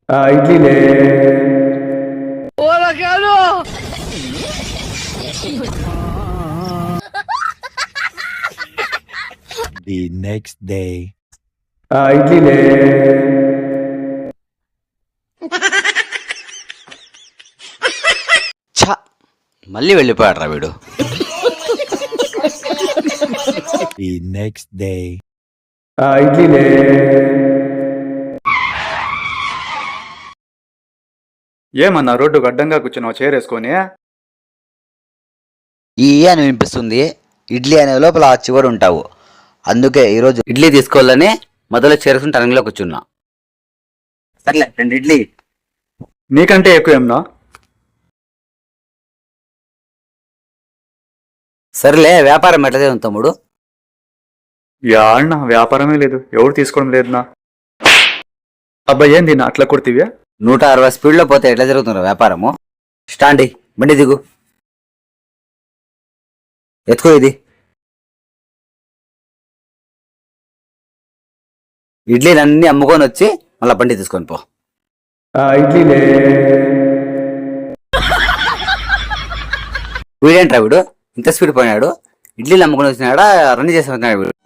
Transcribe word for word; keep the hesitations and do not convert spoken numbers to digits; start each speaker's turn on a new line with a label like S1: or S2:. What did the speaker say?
S1: ఆ ఇడ్లీనే.
S2: The next day.
S1: ఆ ఇడ్లీనే.
S3: ఛ, మళ్ళీ వెళ్ళిపోయాడు రా వీడు.
S2: The next day.
S1: ఆ ఇడ్లీనే.
S4: ఏమన్నా రోడ్డుకు అడ్డంగా కూర్చున్నావు చేరేసుకొని?
S3: ఈ అని వినిపిస్తుంది. ఇడ్లీ అనే లోపల ఆ చివరి ఉంటావు. అందుకే ఈరోజు ఇడ్లీ తీసుకోవాలని మొదలు చేరుకుని టర్నింగ్లో కూర్చున్నా. సర్లే రెండు ఇడ్లీ.
S4: నీకంటే ఎక్కువ ఏమన్నా?
S3: సర్లే వ్యాపారం ఎట్లదే ఉంది తమ్ముడు?
S4: యాళ్ళ వ్యాపారమే లేదు, ఎవరు తీసుకోవడం లేదునా. అబ్బా ఏంది నా అట్లా కొడుతీవ్యా?
S3: నూట అరవై స్పీడ్లో పోతే ఎట్లా జరుగుతుందో వ్యాపారము? స్టాండి, బండి దిగు, ఎత్తుకో ఇది. ఇడ్లీలన్నీ అమ్ముకొని వచ్చి మళ్ళీ బండి తీసుకొని పో.
S1: ఆ ఇడ్లీనే.
S3: వీడేంట్రా వీడు ఇంత స్పీడ్ పోయినాడు? ఇడ్లీలు అమ్ముకొని వచ్చినాడా రన్ చేసి వచ్చినాడు వీడు?